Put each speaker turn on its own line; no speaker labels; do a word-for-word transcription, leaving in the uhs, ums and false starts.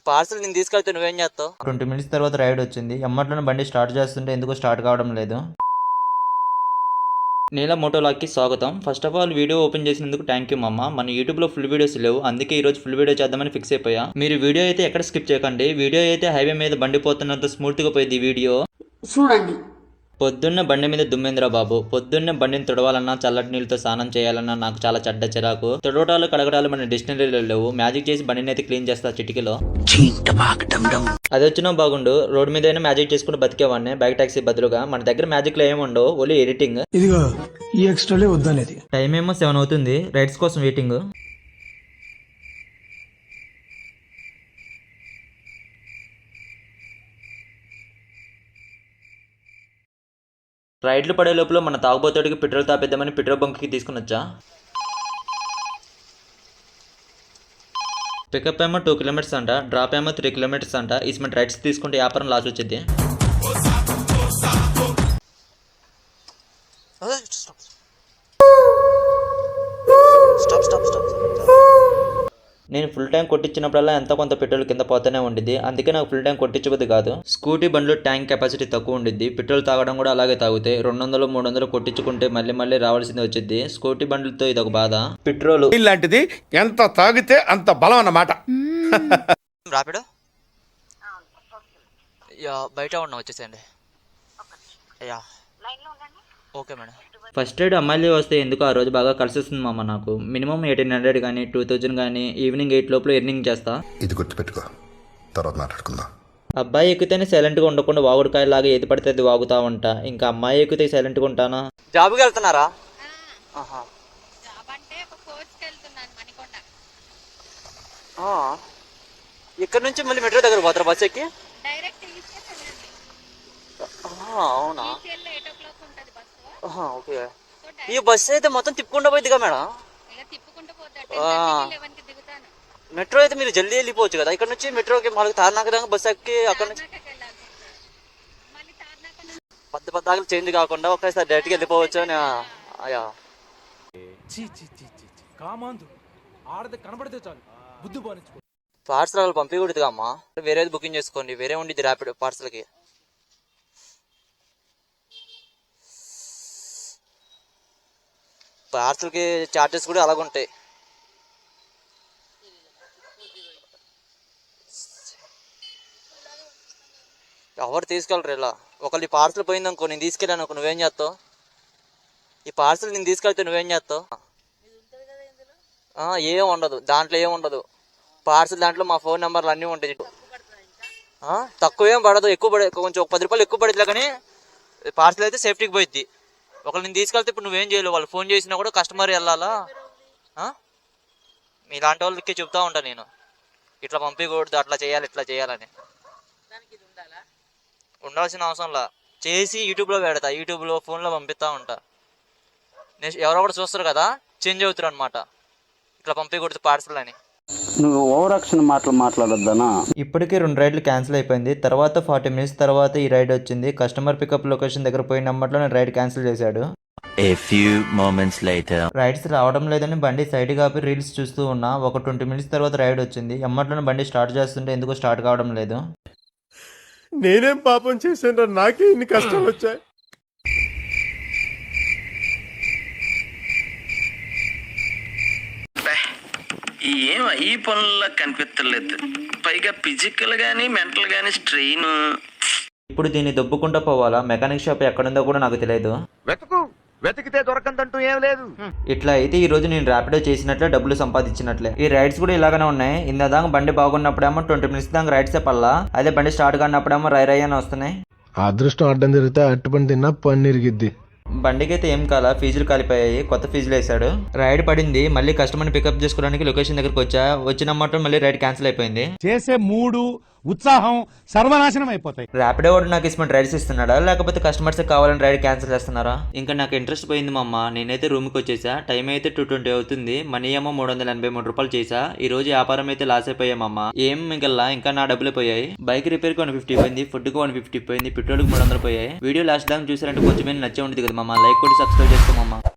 Parcel నేను తీసుకెళ్తే నువ్వేం చేస్తావు?
ట్వంటీ మినిట్స్ తర్వాత రైడ్ వచ్చింది. ఎమ్మట్లోనే బండి స్టార్ట్ చేస్తుంటే ఎందుకో స్టార్ట్ కావడం లేదు. నీల మోటోలాగ్కి స్వాగతం. First of all video open చేసినందుకు థ్యాంక్ యూ మమ్మ. మన యూట్యూబ్లో ఫుల్ వీడియోస్ లేవు, అందుకే ఈ రోజు ఫుల్ వీడియో చేద్దామని ఫిక్స్ అయిపోయా. మీరు వీడియో అయితే ఎక్కడ స్కిప్ చేయకండి. వీడియో అయితే హైవే మీద బండి పోతున్నంత స్మూత్గా పోయింది ఈ వీడియో చూడండి. పొద్దున్న బండి మీద దుమ్మేంద్ర బాబు. పొద్దున్నే బండిని తుడవాలన్నా చల్లటి నీళ్ళతో స్నానం చేయాలన్నా నాకు చాలా చెడ్డ చిరాకు. తుడవటాలు కడగడాలు మన డిక్షనరీలో లేవు. మ్యాజిక్ చేసి బండిని అయితే క్లీన్ చేస్తా చిటికలో. అది వచ్చినా బాగుండు, రోడ్ మీద అయినా మ్యాజిక్ చేసుకుంటూ బతికేవాడిని బైక్ టాక్సీ బదులుగా. మన దగ్గర మ్యాజిక్ లో ఏమి ఉండవు, ఓన్లీ ఎడిటింగ్.
ఇదిగో ఈ ఎక్స్ట్రాలే వద్దనేది.
టైం ఏమో సెవెన్ అవుతుంది, రైడ్స్ కోసం వెయిటింగ్. రైడ్లు పడే లోపల మన తాగుబోతుడికి పెట్రోల్ తాపేద్దామని పెట్రోల్ బంక్కి తీసుకుని వచ్చా. పికప్ ఏమో టూ కిలోమీటర్స్ అంట, డ్రాప్ ఏమో త్రీ కిలోమీటర్స్ అంట. ఇస్మెంట్ రైడ్స్ తీసుకుంటే వ్యాపారం లాస్ వచ్చింది. నేను ఫుల్ ట్యాంక్ కొట్టించినప్పుడల్లా ఎంత కొంత పెట్రోల్ కింద పోతూనే ఉండిద్ది, అందుకే నాకు ఫుల్ ట్యాంక్ కొట్టించబోద్ది కాదు. స్కూటీ బండ్లు ట్యాంక్ కెపాసిటీ తక్కువ ఉండిద్ది, పెట్రోల్ తాగడం కూడా అలాగే తాగుతాయి. రెండు వందలు మూడు వందలు కొట్టించుకుంటే మళ్ళీ మళ్ళీ రావాల్సింది వచ్చింది. స్కూటీ బండ్లతో ఇది ఒక బాధ. పెట్రోల్
ఇలాంటిది ఎంత తాగితే అంత బలం అన్నమాట.
రాపిడో యా బయట ఉన్న వచ్చేసేయండి. Yeah okay madam.
First aid అమ్మాయిలు వస్తే ఎందుకు ఆ రోజు బాగా కలిసి వస్తుంది మామ. నాకు మినిమం ఎయిటీన్ హండ్రెడ్ కానీ టూ థౌజండ్ కానీ ఈవినింగ్ ఎయిట్ లోపల ఎర్నింగ్ చేస్తా.
ఇది గుర్తుపెట్టుకో, తర్వాత మాట్లాడుకుందాం.
అబ్బాయి ఎక్కితేనే సైలెంట్గా ఉండకుండా వాగుడుకాయలాగా ఏది పడితే అది వాగుతా ఉంటా. ఇంకా అమ్మాయి ఎక్కితే సైలెంట్గా ఉంటానా?
జాబ్కి వెళ్తున్నారా? ఇక్కడ నుంచి మళ్ళీ మెట్రో దగ్గర పోతారా బస్ ఎక్కి? అవునా, ఓకే. ఈ బస్సు అయితే మొత్తం తిప్పుకుంటూ పోయిద్దిగా మేడం. మెట్రో అయితే మీరు జల్దీ వెళ్ళిపోవచ్చు కదా. ఇక్కడ నుంచి మెట్రోకి మళ్ళీ తార్నాక దాకా బస్సు ఎక్కి అక్కడ నుంచి పద్ద పద్దాకలు చేంజ్ కాకుండా ఒకేసారి డైరెక్ట్గా వెళ్ళిపోవచ్చు అని. అయ్యా పార్సల్ పంపించకూడదుగా అమ్మా, వేరేది బుకింగ్ చేసుకోండి. వేరే ఉండిద్ది ర్యాపిడ్ పార్సల్కి. పార్సల్కి చార్జెస్ కూడా అలాగ ఉంటాయి. ఎవరు తీసుకెళ్ళరు ఇలా. ఒకళ్ళు ఈ పార్సల్ పోయిందనుకో, నేను తీసుకెళ్ళాను అనుకో, నువ్వేం చేస్తావు? ఈ పార్సల్ నేను తీసుకెళ్తే నువ్వేం చేస్తావు? ఏం ఉండదు దాంట్లో, ఏం ఉండదు. పార్సల్ దాంట్లో మా ఫోన్ నెంబర్లు అన్నీ ఉంటాయి. తక్కువ ఏం పడదు, ఎక్కువ పడే కొంచెం ఒక పది రూపాయలు ఎక్కువ పడుతుంది. కానీ పార్సల్ అయితే సేఫ్టీకి పోయిద్ది. ఒకళ్ళు నేను తీసుకెళ్తే ఇప్పుడు నువ్వేం చేయలేవు. వాళ్ళు ఫోన్ చేసినా కూడా కస్టమర్ వెళ్ళాలా. మీలాంటి వాళ్ళకి చెప్తా ఉంటాను నేను, ఇట్లా పంపించకూడదు, అట్లా చేయాలి, ఇట్లా చేయాలని. ఉండాల్సిన అవసరంలా, చేసి యూట్యూబ్లో పెడతా, యూట్యూబ్లో ఫోన్లో పంపిస్తూ ఉంటా. ఎవరో కూడా చూస్తారు కదా, చేంజ్ అవుతారు అనమాట. ఇట్లా పంపించకూడదు పార్సల్ అని.
నువ్వు ఓవర్ యాక్షన్ మాటలు మాట్లాడొద్దనా.
ఇప్పటికే రెండు రైడ్లు క్యాన్సిల్ అయిపోయింది. తర్వాత ఫార్టీ మినిట్స్ తర్వాత ఈ రైడ్ వచ్చింది. కస్టమర్ పికప్ లొకేషన్ దగ్గర పోయిన నెంబర్లో నేను రైడ్ క్యాన్సిల్ చేశాడు.
A few moments later.
Rides రావడం లేదని బండి సైడ్ కాపి రీల్స్ చూస్తూ ఉన్నా. ఒక ట్వంటీ మినిట్స్ తర్వాత రైడ్ వచ్చింది. ఎమ్మట్లోనే బండి స్టార్ట్ చేస్తుంటే ఎందుకో స్టార్ట్ కావడం లేదు.
నేనేం పాపం చేశాను, నాకే ఇన్ని కష్టాలు వచ్చాయి.
ఏం ఈ పనుల్లో కనిపించలేదు, పైగా ఫిజికల్ గానీ మెంటల్ గానీ స్ట్రెయిన్.
ఇప్పుడు దీన్ని దొబ్బుకుంటూ పోవాలా? మెకానిక్ షాప్ ఎక్కడుందో కూడా నాకు తెలియదు.
వెతుకు, వెతికితే దొరకందంటూ ఏం లేదు.
ఇట్లా అయితే ఈ రోజు నేను ర్యాపిడో చేసినట్లే, డబ్బులు సంపాదించినట్లే. ఈ రైడ్స్ కూడా ఇలాగనే ఉన్నాయి. ఇందా దాకా బండి బాగున్నప్పుడేమో ట్వంటీ మినిట్స్ దాకా రైడ్స్ పల్లా, అదే బండి స్టార్ట్ కానప్పుడేమో రై రై అని వస్తున్నాయి.
అదృష్టం అడ్డం జరిగితే అట్టుపని తిన్నా పని ఇరిగిద్ది.
బండికి అయితే ఏం కాలా, ఫీజులు కాలిపోయాయి, కొత్త ఫీజులు వేసాడు. రైడ్ పడింది. మళ్ళీ కస్టమర్ని పికప్ చేసుకోవడానికి లొకేషన్ దగ్గరకు వచ్చా. వచ్చిన మాట మళ్ళీ రైడ్ క్యాన్సిల్ అయిపోయింది.
చేసే మూడు ఉత్సాహం సర్వనాశనం అయిపోతాయి.
ర్యాపిడో వాడు నాకు ఇష్టమైన రైడ్స్ ఇస్తున్నాడా, లేకపోతే కస్టమర్స్ కావాలని రైడ్ క్యాన్సిల్ చేస్తున్నారా? ఇంకా నాకు ఇంట్రెస్ట్ పోయింది మా అమ్మ. నేనైతే రూమ్కి వచ్చేసా. టైం అయితే టూ ట్వంటీ అవుతుంది. మనీ ఏమో మూడు వందల ఎనభై మూడు రూపాయలు చేసా. ఈ రోజు వ్యాపారం అయితే లాస్ అయిపోయామమ్మ. ఏం మిగల్లా, ఇంకా నా డబ్బులు పోయాయి. బైక్ రిపేర్ కి వన్ ఫిఫ్టీ పోయింది, ఫుడ్ కి వన్ ఫిఫ్టీ పోయింది, పెట్రోల్ కి మూడు వందలు పోయాయి. వీడియో లాస్ట్ దాకా చూసారంటే కొంచెం నచ్చే ఉంటుంది కదా మమ్మ. లైక్ కొట్టి సబ్స్క్రైబ్ చేసుకోమమ్మ.